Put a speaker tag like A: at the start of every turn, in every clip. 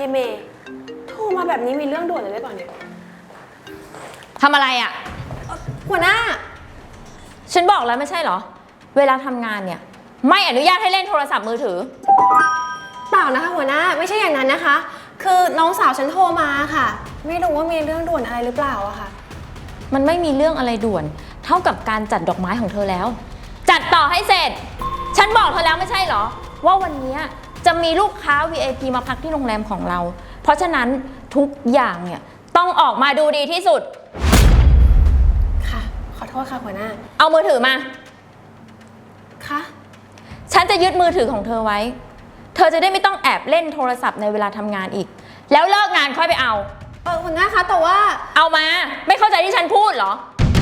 A: ยเมย์โทรมาแบบนี้มีเรื่องด่วนเลยหรือเปล่าเนี่ย
B: ทำอะไรอ่ะ
A: หัวหน้า
B: ฉันบอกแล้วไม่ใช่เหรอเวลาทำงานเนี่ยไม่อนุญาตให้เล่นโทรศัพท์มือถือ
A: เปล่านะคะหัวหน้าไม่ใช่อย่างนั้นนะคะคือน้องสาวฉันโทรมาค่ะไม่รู้ว่ามีเรื่องด่วนอะไรหรือเปล่าอะค่ะ
B: มันไม่มีเรื่องอะไรด่วนเท่ากับการจัดดอกไม้ของเธอแล้วจัดต่อให้เสร็จฉันบอกเธอแล้วไม่ใช่เหรอว่าวันนี้จะมีลูกค้า VIP มาพักที่โรงแรมของเราเพราะฉะนั้นทุกอย่างเนี่ยต้องออกมาดูดีที่สุด
A: ค่ะขอโทษค่ะหัวหน้า
B: เอามือถือมา
A: ค่ะ
B: ฉันจะยึดมือถือของเธอไว้เธอจะได้ไม่ต้องแอบเล่นโทรศัพท์ในเวลาทำงานอีกแล้วเลิกงานค่อยไปเอา
A: หัวหน้าคะแต่ว่า
B: เอามาไม่เข้าใจที่ฉันพูดเหรอ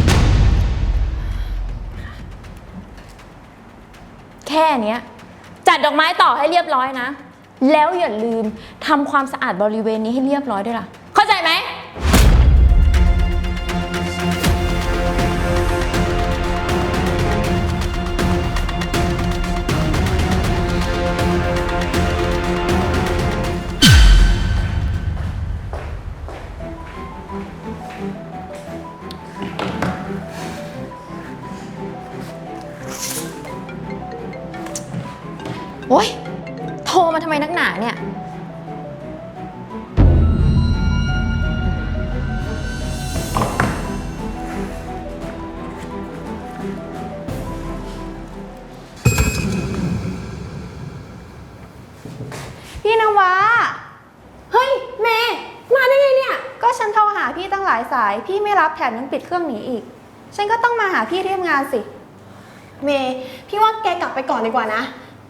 B: แค่เนี้ยจัดดอกไม้ต่อให้เรียบร้อยนะแล้วอย่าลืมทำความสะอาดบริเวณนี้ให้เรียบร้อยด้วยล่ะเข้าใจไหมโอ๊ยโทรมาทำไมนักหนาเนี่ย
C: พี่นวะ
A: เฮ้ยเมย์มาได้ไงเนี่ย
C: ก็ฉันโทรหาพี่ตั้งหลายสายพี่ไม่รับแถมยังปิดเครื่องหนีอีกฉันก็ต้องมาหาพี่ที่ทำงานสิ
A: เมย์พี่ว่าแกกลับไปก่อนดีกว่านะ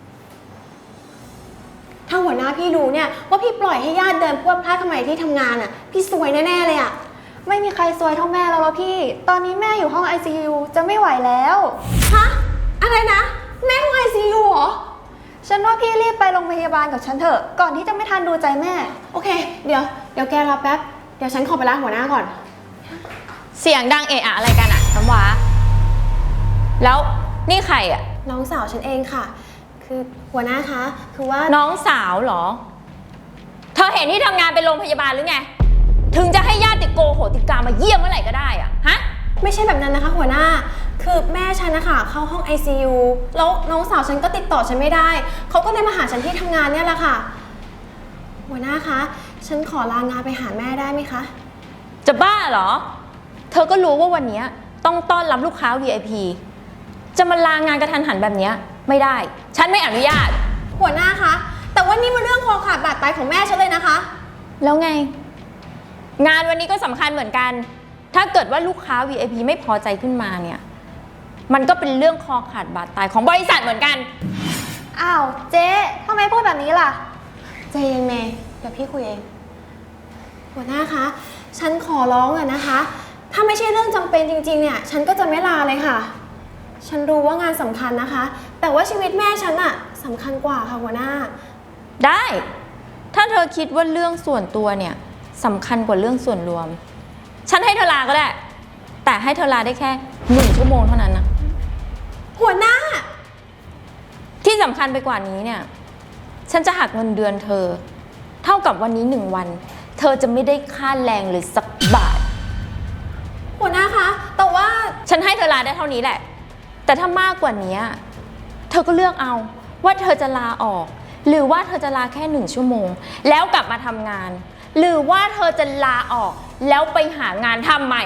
A: ถ้าหัวหน้าพี่รู้เนี่ยว่าพี่ปล่อยให้ญาติเดินพรวดพลาดทำไมที่ทำงานอ่ะพี่ซวยแน่ๆเลยอ่ะ
C: ไม่มีใครซวยเท่าแม่แล้วพี่ตอนนี้แม่อยู่ห้อง ICU จะไม่ไหวแล้ว
A: ฮะอะไรนะแม่ห้อง ICU เหรอ
C: ฉันว่าพี่รีบไปโรงพยาบาลกับฉันเถอะก่อนที่จะไม่ทันดูใจแม่
A: โอเคเดี๋ยวแกรอแป๊บเดี๋ยวฉันขอไปล้างหัวหน้าก่อน
B: เสียงดังเอะอะอะไรกันอะน้ำว้าแล้วนี่ใครอะ
A: น้องสาวฉันเองค่ะคือหัวหน้าคะคือว่า
B: น้องสาวเหรอเธอเห็นที่ทำงานเป็นโรงพยาบาลหรือไงถึงจะให้ญาติโกโหติกามาเยี่ยมเมื่อไหร่ก็ได้อะฮะ
A: ไม่ใช่แบบนั้นนะคะหัวหน้าคือแม่ฉันนะคะเข้าห้อง ICU แล้วน้องสาวฉันก็ติดต่อฉันไม่ได้เขาก็เลยมาหาฉันที่ทำงานเนี่ยแหละค่ะหัวหน้าคะฉันขอลางานไปหาแม่ได้ไหมคะ
B: จะบ้าเหรอเธอก็รู้ว่าวันนี้ต้องต้อนรับลูกค้า VIP จะมาลางานกระทันหันแบบนี้ไม่ได้ฉันไม่อนุญาต
A: หัวหน้าคะแต่ว่านี่มันเรื่องคอขาดบาดตายของแม่ฉันเลยนะคะ
B: แล้วไงงานวันนี้ก็สำคัญเหมือนกันถ้าเกิดว่าลูกค้า VIP ไม่พอใจขึ้นมาเนี่ยมันก็เป็นเรื่องคอขาดบาดตายของบริษัทเหมือนกัน
C: อ้าวเจ๊ทำไมพูดแบบนี้ล่ะ
A: ใจเย็นเมย์เดี๋ยวพี่คุยเองหัวหน้าคะฉันขอร้องอะนะคะถ้าไม่ใช่เรื่องจำเป็นจริงๆเนี่ยฉันก็จะไม่ลาเลยค่ะฉันรู้ว่างานสำคัญนะคะแต่ว่าชีวิตแม่ฉันอะสำคัญกว่าค่ะหัวหน้า
B: ได้ถ้าเธอคิดว่าเรื่องส่วนตัวเนี่ยสำคัญกว่าเรื่องส่วนรวมฉันให้เธอลาก็ได้แต่ให้เธอลาได้แค่1 ชั่วโมงเท่านั้นนะ
A: หัวหน้า
B: ที่สำคัญไปกว่านี้เนี่ยฉันจะหักเงินเดือนเธอเท่ากับวันนี้1 วันเธอจะไม่ได้ค่าแรงเลยสักบาท
A: หัวหน้าคะแต่ว่า
B: ฉันให้เธอลาได้เท่านี้แหละแต่ถ้ามากกว่านี้เธอก็เลือกเอาว่าเธอจะลาออกหรือว่าเธอจะลาแค่1 ชั่วโมงแล้วกลับมาทำงานหรือว่าเธอจะลาออกแล้วไปหางานทำใหม่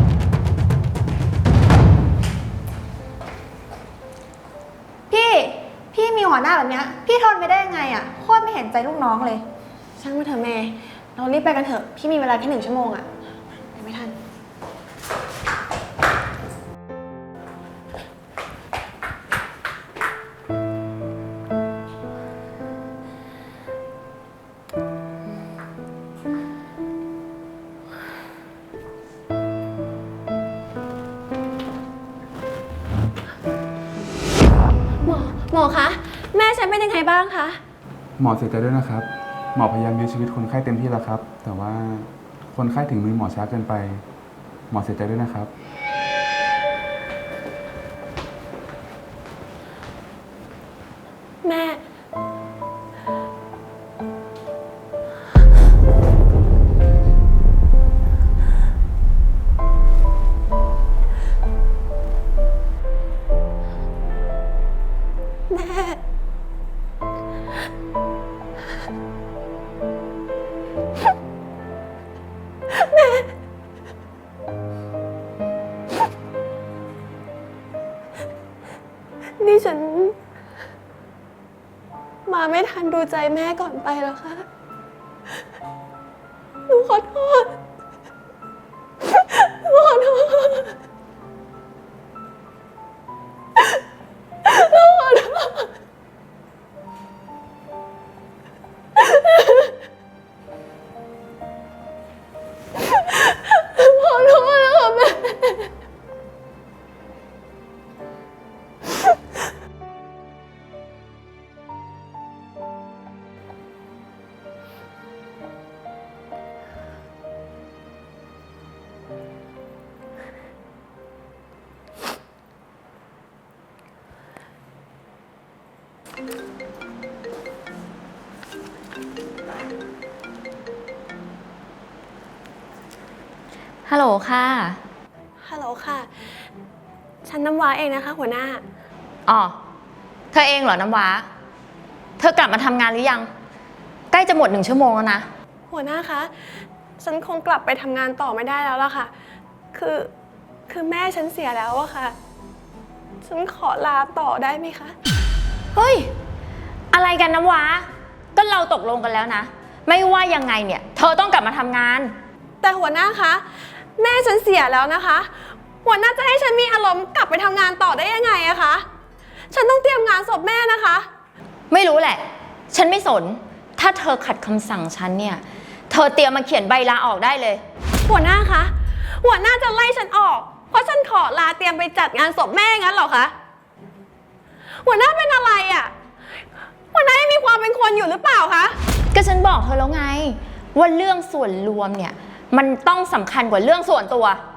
C: พี่มีหัวหน้าแบบนี้พี่ทนไปได้ยังไงอะโคตรไม่เห็นใจลูกน้องเลย
A: ช่างมาเถอะเมย์เรารีบไปกันเถอะพี่มีเวลาแค่1 ชั่วโมงอะไม่ทันหมอคะแม่ฉันเป็นยังไงบ้างคะ
D: หมอเสียใจด้วยนะครับหมอพยายามยื้อชีวิตคนไข้เต็มที่แล้วครับแต่ว่าคนไข้ถึงมือหมอช้าเกินไปหมอเสียใจด้วยนะครับ
A: แม่นี่ฉัน มาไม่ทันดูใจแม่ก่อนไปแล้วค่ะ หนูขอโทษ หนูขอโทษ หนูขอโทษ ขอโทษนะคะแม่
B: ฮัลโหลค่ะ
A: ฮัลโหลค่ะ ฉันน้ำว้าเองนะคะ หัวหน้า
B: อ๋อ เธอเองเหรอน้ำว้า เธอกลับมาทำงานหรือยัง ใกล้จะหมด1 ชั่วโมงแล้วนะ
A: หัวหน้าคะ ฉันคงกลับไปทำงานต่อไม่ได้แล้วล่ะค่ะ คือแม่ฉันเสียแล้วอะค่ะ ฉันขอลาต่อได้ไหมคะ
B: เฮ้ย อะไรกันน้ำว้า ก็เราตกลงกันแล้วนะ ไม่ว่ายังไงเนี่ย เธอต้องกลับมาทำงาน
A: แต่หัวหน้าคะ แม่ฉันเสียแล้วนะคะ หัวหน้าจะให้ฉันมีอารมณ์กลับไปทำงานต่อได้ยังไงอะคะ ฉันต้องเตรียมงานศพแม่นะคะ
B: ไม่รู้แหละ ฉันไม่สน ถ้าเธอขัดคำสั่งฉันเนี่ย เธอเตรียมมาเขียนใบลาออกได้เลย
A: หัวหน้าคะ หัวหน้าจะไล่ฉันออก เพราะฉันขอลาเตรียมไปจัดงานศพแม่งั้นเหรอคะ หัวหน้าเป็นอะไรอะหัวหน้ายังมีความเป็นคนอยู่หรือเปล่าคะ
B: ก็ฉันบอกเธอแล้วไง ว่าเรื่องส่วนรวมเนี่ย มันต้องสำคัญกว่าเรื่องส่วนตัว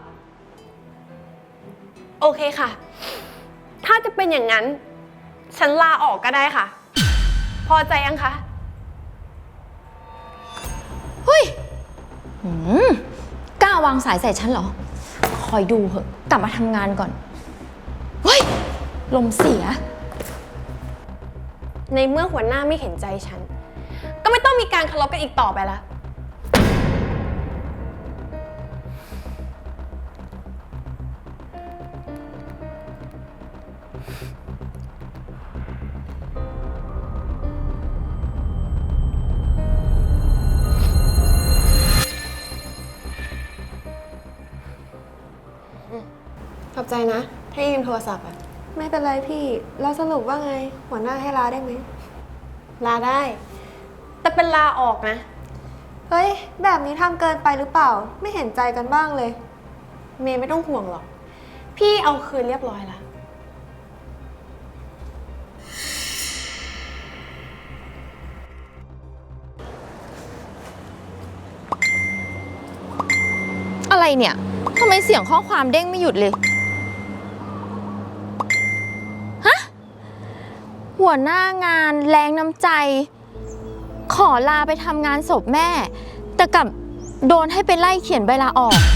A: โอเคค่ะ ถ้าจะเป็นอย่างนั้น ฉันลาออกก็ได้ค่ะ พอใจยังคะ
B: เฮ้ยกล้าวางสายใส่ฉันเหรอ คอยดูเหอะ กลับมาทำงานก่อน เฮ้ย ลมเสีย
A: ในเมื่อหัวหน้าไม่เห็นใจฉัน ก็ไม่ต้องมีการเคารพกันอีกต่อไปละ ขอบใจนะ ถ้ายืมโทรศัพท์อะ
C: ไม่เป็นไรพี่ แล้วสรุปว่าไง หัวหน้าให้ลาได้ไหม
A: ลาได้ แต่เป็นลาออกนะ
C: เฮ้ย แบบนี้ทำเกินไปหรือเปล่า ไม่เห็นใจกันบ้างเลย
A: เมย์ไม่ต้องห่วงหรอก พี่เอาคืนเรียบร้อยแล้ว
B: อะไรเนี่ย ทำไมเสียงข้อความเด้งไม่หยุดเลย ฮะ หัวหน้างานแรงน้ำใจ ขอลาไปทำงานศพแม่ แต่กลับโดนให้ไปไล่เขียนใบลาออก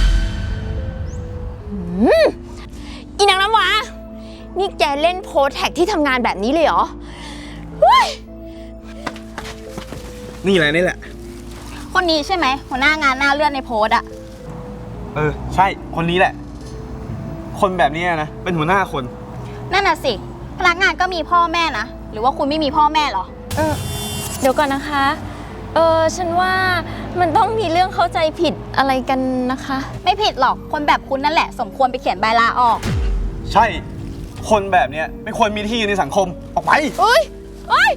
B: อีนางน้ำว้า นี่แกเล่นโพสแท็กที่ทำงานแบบนี้เลยเหรอ
E: นี่แหละนี่แหละ
F: คนนี้ใช่ไหมหัวหน้างานหน้าเลือดในโพสต์อะ
E: ใช่คนนี้แหละ คนแบบนี้นะเป็นหัวหน้าคน
F: นั่นน่ะสิพนักงานก็มีพ่อแม่นะหรือว่าคุณไม่มีพ่อแม่เหรอ
B: เดี๋ยวก่อนนะคะ ฉันว่ามันต้องมีเรื่องเข้าใจผิดอะไรกันนะคะ
F: ไม่ผิดหรอกคนแบบคุณนั่นแหละสมควรไปเขียนใบลาออก
E: ใช่คนแบบนี้ไม่ควรมีที่ในสังคมออกไป
B: เอ้ยเอ้ย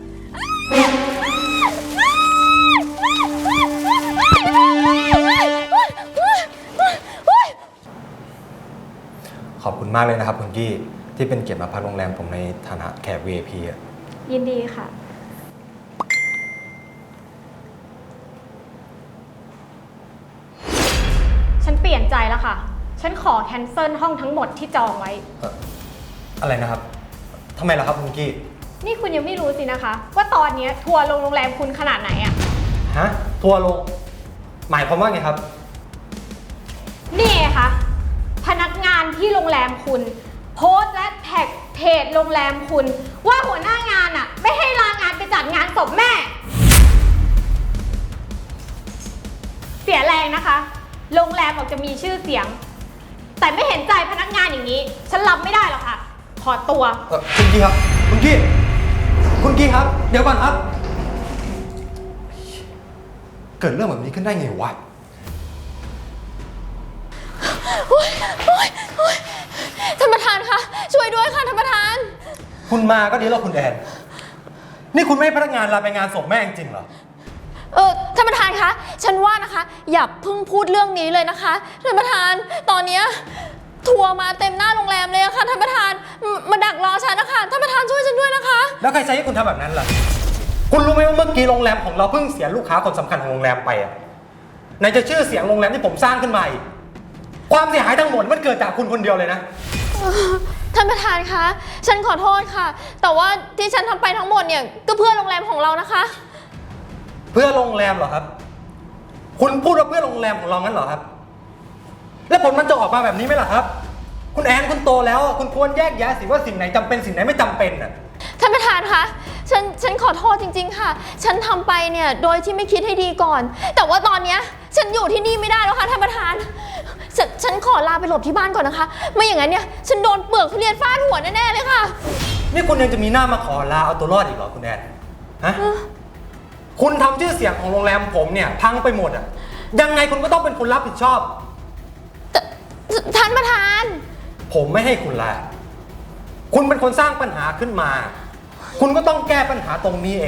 G: ขอบคุณมากเลยนะครับคุณกี้ที่เป็นเกียรติมาพักโรงแรมผมในฐานะแขก VIP อ่ะ
C: ยินดีค่ะ
H: ฉันเปลี่ยนใจแล้วค่ะ ฉันขอแคนเซิลห้องทั้งหมดที่จองไว้
G: อะไรนะครับทำไมล่ะครับคุณกี้
H: นี่คุณยังไม่รู้สินะคะ ว่าตอนนี้ทัวร์ลงโรงแรมคุณขนาดไหนอะ
G: ฮะ ทัวร์ลง หมายความว่าไงครับ
H: นี่ไงคะพนักงานที่โรงแรมคุณ โพสต์และแท็กเพจโรงแรมคุณ ว่าหัวหน้างานอะไม่ให้ลางานไปจัดงานศพแม่ เสียแรงนะคะ โรงแรมออกจะมีชื่อเสียง แต่ไม่เห็นใจพนักงานอย่างนี้ ฉันรับไม่ได้หรอกค่ะขอตัว
G: คุณกี้ครับ คุณกี้ คุณกี้ครับ เดี๋ยวก่อนครับ เกิดเรื่องแบบนี้ขึ้นได้ไงวะ
B: ท่านประธานคะช่วยด้วยค่ะท่านประธาน
G: คุณมาก็ดีแล้วคุณแอน นี่คุณไม่ให้พนักงานลาไปงานศพแม่จริงๆเหรอ
B: ท่านประธานคะฉันว่านะคะ อย่าเพิ่งพูดเรื่องนี้เลยนะคะท่านประธานตอนเนี้ยทัวร์มาเต็มหน้าโรงแรมเลยอะค่ะท่านประธานมาดักรอฉันนะคะท่านประธานช่วยฉันด้วยนะคะ
G: แล้วใครใช้ให้คุณทำแบบนั้นล่ะ คุณรู้ไหมว่าเมื่อกี้โรงแรมของเราเพิ่งเสียลูกค้าคนสำคัญของโรงแรมไปอะไหนจะชื่อเสียงโรงแรมที่ผมสร้างขึ้นมาอีกความเสียหายทั้งหมดมันเกิดจากคุณคนเดียวเลยนะ
B: ท่านประธานคะฉันขอโทษค่ะ แต่ว่าที่ฉันทำไปทั้งหมดเนี่ยก็เพื่อโรงแรมของเรานะคะ
G: เพื่อโรงแรมเหรอครับ คุณพูดว่าเพื่อโรงแรมของเรางั้นเหรอครับ แล้วผลมันจะออกมาแบบนี้ไหมล่ะครับ คุณแอนคุณโตแล้วคุณควรแยกแยะสิว่าสิ่งไหนจำเป็นสิ่งไหนไม่จำเป็นน่ะ
B: ท่านประธานคะฉันขอโทษจริงๆค่ะ ฉันทำไปเนี่ยโดยที่ไม่คิดให้ดีก่อน แต่ว่าตอนเนี้ยฉันอยู่ที่นี่ไม่ได้แล้วค่ะท่านประธานฉันขอลาไปหลบที่บ้านก่อนนะคะ ไม่อย่างนั้นเนี่ยฉันโดนเปลือกทุเรียนฟาดหัวแน่ๆเลยค่ะ
G: นี่คุณยังจะมีหน้ามาขอลาเอาตัวรอดอีกเหรอคุณแอนฮะคุณทำชื่อเสียงของโรงแรมผมเนี่ยพังไปหมดอ่ะยังไงคุณก็ต้องเป็นคนรับผิดชอบ
B: ท่านประธาน
G: ผมไม่ให้คุณลาคุณเป็นคนสร้างปัญหาขึ้นมา คุณก็ต้องแก้ปัญหาตรงนี้เอง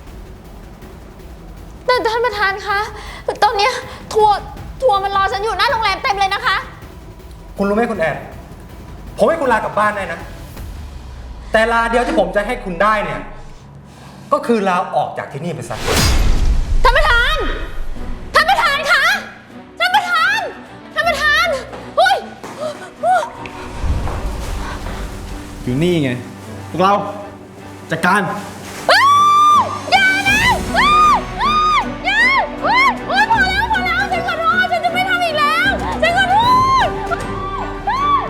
B: แต่ท่านประธานคะตอนเนี้ยทัวร์มันรอฉันอยู่หน้าโรงแรมเต็มเลยนะคะ
G: คุณรู้ไหมคุณแอนผมให้คุณลากลับบ้านได้นะ แต่ลาเดียวที่ผมจะให้คุณได้เนี่ยก็คือลาออกจากที่นี่ไปซะ
B: ท่านประธาน ท่านประธานคะ ท่านประธาน ท่านประธานอุ้ย
E: อยู่นี่ไง พวกเราจัดการ
B: อย่านะอย่าพอแล้วฉันขอโทษฉันจะไม่ทำอีกแล้วฉันขอโทษ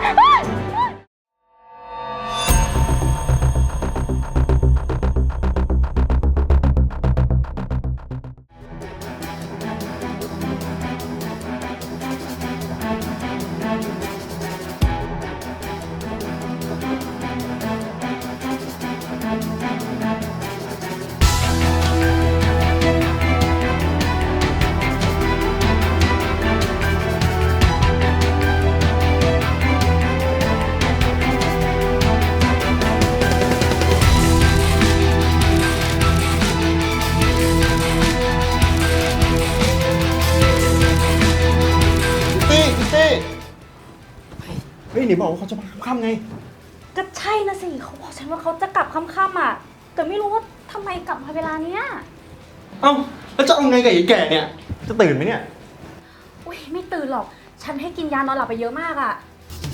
E: เฮ้ยหนีบอกว่าเขาจะมาค่ำๆไง
I: ก็ใช่นะสิเขาบอกฉันว่าเขาจะกลับค่ำๆอ่ะ แต่ไม่รู้ว่าทำไมกลับมาเวลาเนี้ย
E: เอ้าแล้วจะเอาไงกับไอ้แก่เนี่ย จะตื่นไหมเนี่ย
I: อุ้ยไม่ตื่นหรอก ฉันให้กินยานอนหลับไปเยอะมากอ่ะ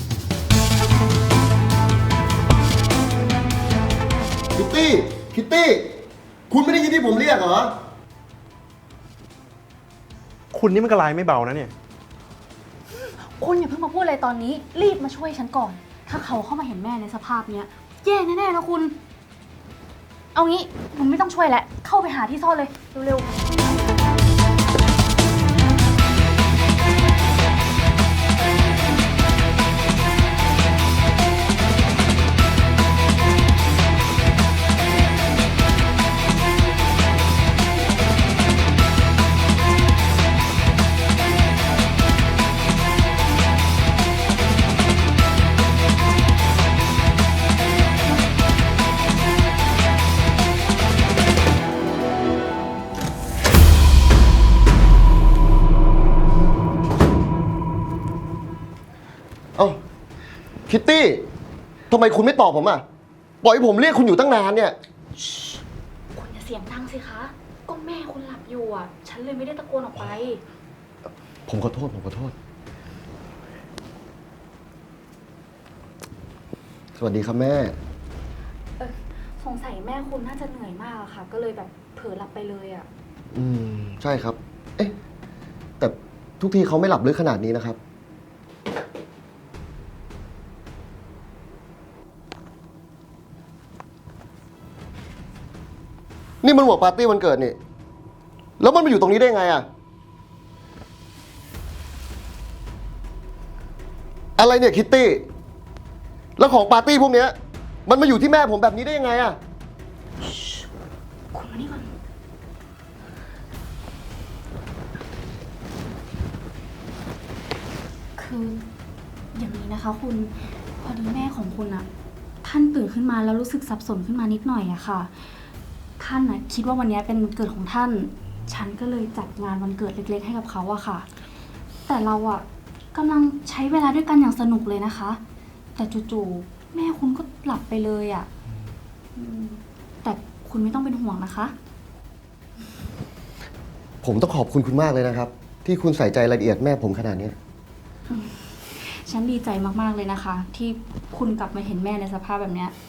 J: คิตตี้ คุณไม่ได้ยินที่ผมเรียกเหรอ
E: คุณนี่มันกระไรไม่เบานะเนี่ย
I: คุณอย่าเพิ่งมาพูดอะไรตอนนี้ รีบมาช่วยฉันก่อน ถ้าเขาเข้ามาเห็นแม่ในสภาพเนี้ยแย่แน่ๆนะคุณ เอางี้คุณไม่ต้องช่วยแล้ว เข้าไปหาที่ซ่อนเลย เร็วๆ
J: เอ้า คิตตี้ ทำไมคุณไม่ตอบผมอ่ะ ปล่อยให้ผมเรียกคุณอยู่ตั้งนานเนี่ย
I: คุณอย่าเสียงดังสิคะ ก็แม่คุณหลับอยู่อ่ะ ฉันเลยไม่ได้ตะโกนออกไป
J: ผมขอโทษ สวัสดีครับแม่
I: สงสัยแม่คุณน่าจะเหนื่อยมากอะค่ะ ก็เลยแบบเผลอหลับไปเลยอ่ะ
J: ใช่ครับ เอ๊ะ แต่ทุกทีเขาไม่หลับลึกขนาดนี้นะครับ นี่มันหัวปาร์ตี้วันเกิดนี่ แล้วมันมาอยู่ตรงนี้ได้ไงอะอะไรเนี่ยคิตตี้ แล้วของปาร์ตี้พวกเนี้ยมันมาอยู่ที่แม่ผมแบบนี้ได้ยังไงอะ
I: คุณมานี่ก่อน คืออย่างนี้นะคะคุณ พอดีแม่ของคุณอะท่านตื่นขึ้นมาแล้วรู้สึกสับสนขึ้นมานิดหน่อยอะค่ะ ท่านอะคิดว่าวันนี้เป็นวันเกิดของท่าน ฉันก็เลยจัดงานวันเกิดเล็กๆให้กับเขาอะค่ะ แต่เราอะกำลังใช้เวลาด้วยกันอย่างสนุกเลยนะคะ แต่จู่ๆแม่คุณก็หลับไปเลยอะแต่คุณไม่ต้องเป็นห่วงนะคะ
J: ผมต้องขอบคุณคุณมากเลยนะครับ ที่คุณใส่ใจรายละเอียดแม่ผมขนาดนี้
I: ฉันดีใจมากๆเลยนะคะ ที่คุณกลับมาเห็นแม่ในสภาพแบบเนี้ย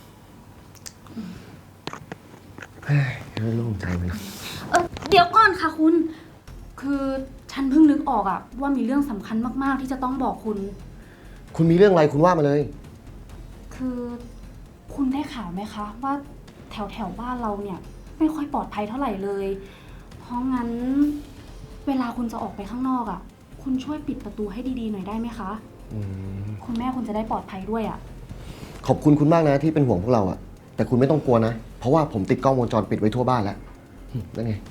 J: โล่งใจเลย
I: เดี๋ยวก่อนค่ะคุณ คือฉันเพิ่งนึกออกอะว่ามีเรื่องสำคัญมากๆที่จะต้องบอกคุณ
J: คุณมีเรื่องอะไรคุณว่ามาเลย
I: คือคุณได้ข่าวไหมคะ ว่าแถวบ้านเราเนี่ย ไม่ค่อยปลอดภัยเท่าไหร่เลย เพราะงั้นเวลาคุณจะออกไปข้างนอกอะคุณช่วยปิดประตูให้ดีๆหน่อยได้ไหมคะ คุณแม่คุณจะได้ปลอดภัยด้วยอะ
J: ขอบคุณคุณมากนะที่เป็นห่วงพวกเราอะแต่คุณไม่ต้องกลัวนะ เพราะว่าผมติดกล้องวงจรปิดไว้ทั่วบ้านแล้วนั่นไง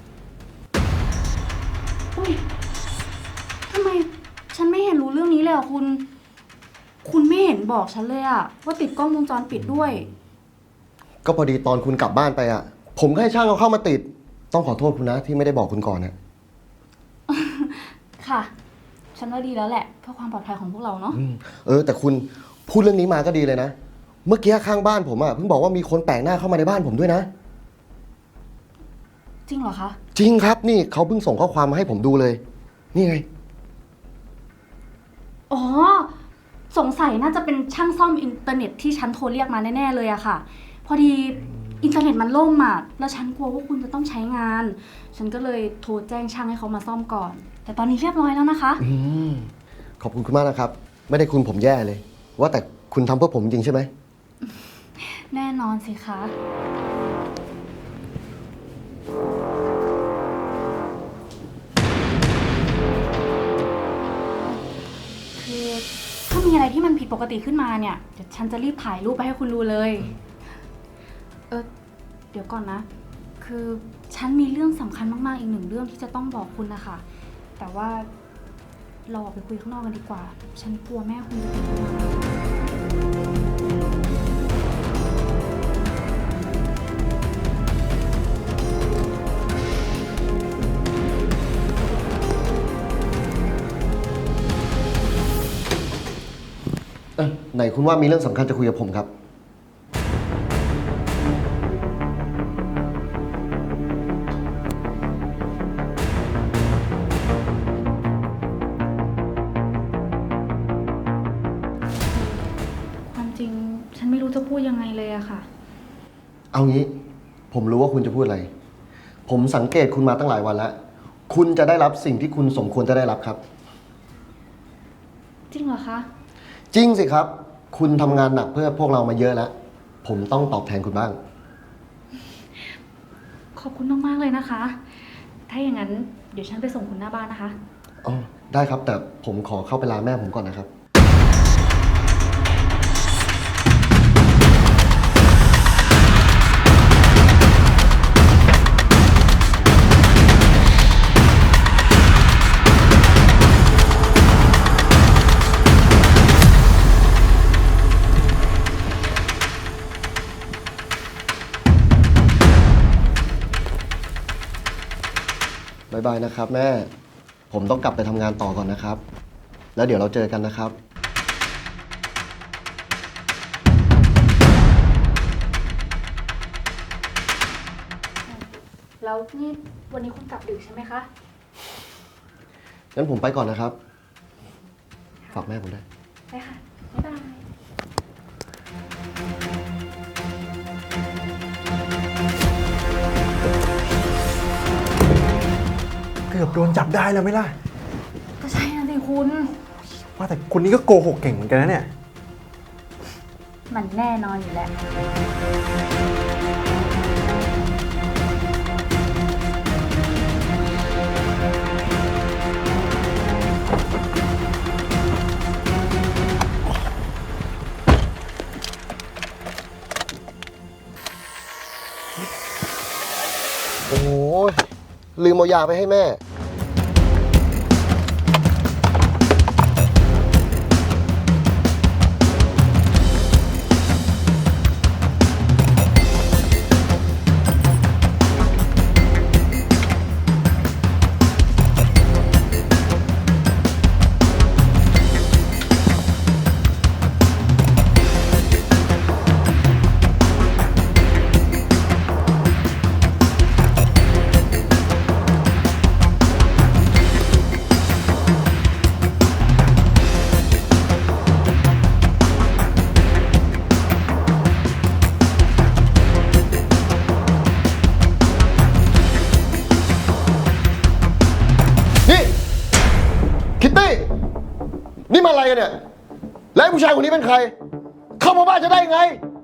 I: อุ๊ยทำไมฉันไม่เห็นรู้เรื่องนี้เลยอ่ะคุณ คุณไม่เห็นบอกฉันเลยอ่ะว่าติดกล้องวงจรปิดด้วย
J: ก็พอดีตอนคุณกลับบ้านไปอะผมก็ให้ช่างเอาเข้ามาติด ต้องขอโทษคุณนะที่ไม่ได้บอกคุณก่อนนะ
I: ค่ะ ฉันว่าดีแล้วแหละเพื่อความปลอดภัยของพวกเราเนาะ
J: แต่คุณพูดเรื่องนี้มาก็ดีเลยนะ เมื่อกี้ข้างบ้านผมอะเพิ่งบอกว่ามีคนแปลกหน้าเข้ามาในบ้านผมด้วยนะ
I: จริงเหรอคะ
J: จริงครับนี่เขาเพิ่งส่งข้อความมาให้ผมดูเลย นี่ไง
I: อ๋อ สงสัยน่าจะเป็นช่างซ่อมอินเทอร์เน็ตที่ฉันโทรเรียกมาแน่ๆเลยอะค่ะ พอดีอินเทอร์เน็ตมันล่มอะแล้วฉันกลัวว่าคุณจะต้องใช้งาน ฉันก็เลยโทรแจ้งช่างให้เขามาซ่อมก่อน แต่ตอนนี้เรียบร้อยแล้วนะคะ
J: ขอบคุณคุณมากนะครับ ไม่ได้คุณผมแย่เลย ว่าแต่คุณทำเพื่อผมจริงใช่ไหม
I: แน่นอนสิคะ คือถ้ามีอะไรที่มันผิดปกติขึ้นมาเนี่ย เดี๋ยวฉันจะรีบถ่ายรูปไปให้คุณดูเลย เดี๋ยวก่อนนะ คือฉันมีเรื่องสำคัญมากๆอีกหนึ่งเรื่องที่จะต้องบอกคุณนะคะ แต่ว่าเราออกไปคุยข้างนอกกันดีกว่า ฉันกลัวแม่คุณจะเป็นห่วง
J: ไหนคุณว่ามีเรื่องสำคัญจะคุยกับผมครับ
I: ความจริงฉันไม่รู้จะพูดยังไงเลยอะค่ะ
J: เอางี้ ผมรู้ว่าคุณจะพูดอะไร ผมสังเกตคุณมาตั้งหลายวันแล้ว คุณจะได้รับสิ่งที่คุณสมควรจะได้รับครับ
I: จริงเหรอคะ
J: จริงสิครับ คุณทำงานหนักเพื่อพวกเรามาเยอะแล้ว ผมต้องตอบแทนคุณบ้าง
I: ขอบคุณมากๆเลยนะคะ ถ้าอย่างนั้นเดี๋ยวฉันไปส่งคุณหน้าบ้านนะคะ
J: อ๋อ ได้ครับ แต่ผมขอเข้าไปลาแม่ผมก่อนนะครับ บ๊ายบายนะครับแม่ ผมต้องกลับไปทำงานต่อก่อนนะครับ แล้วเดี๋ยวเราเจอกันนะครับ
I: แล้วนี่วันนี้คุณกลับดึกใช่ไหมคะ
J: งั้นผมไปก่อนนะครับ ฝากแม่ผมด้วย
I: ได้ค่ะ บ๊ายบาย
G: เกือบโดนจับได้แล้วไหมล่ะ
I: ก็ใช่นะสิคุณ
G: ว่าแต่คนนี้ก็โกหกเก่งเหมือนกันนะเนี่ย
I: มันแน่นอนอยู่แล้ว
J: ลืมเอายาไปให้แม่ นี่คิตตี้ นี่มาอะไรกันเนี่ย แล้วไอ้ผู้ชายคนนี้เป็นใคร เข้ามาบ้านจะได้ไง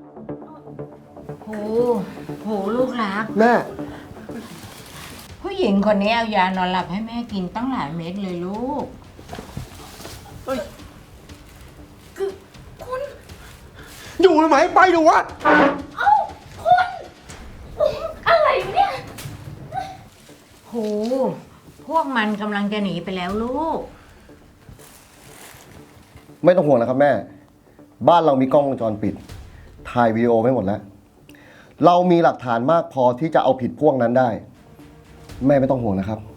K: โหลูกรัก
J: แม่
K: ผู้หญิงคนนี้เอายานอนหลับให้แม่กินตั้งหลายเม็ดเลยลูก
G: อยู่ไหมไปดูวะ
K: โห พวกมันกำลังจะหนีไปแล้วลูก
J: ไม่ต้องห่วงนะครับแม่ บ้านเรามีกล้องวงจรปิด ถ่ายวิดีโอไว้หมดแล้ว เรามีหลักฐานมากพอที่จะเอาผิดพวกนั้นได้ แม่ไม่ต้องห่วงนะครับ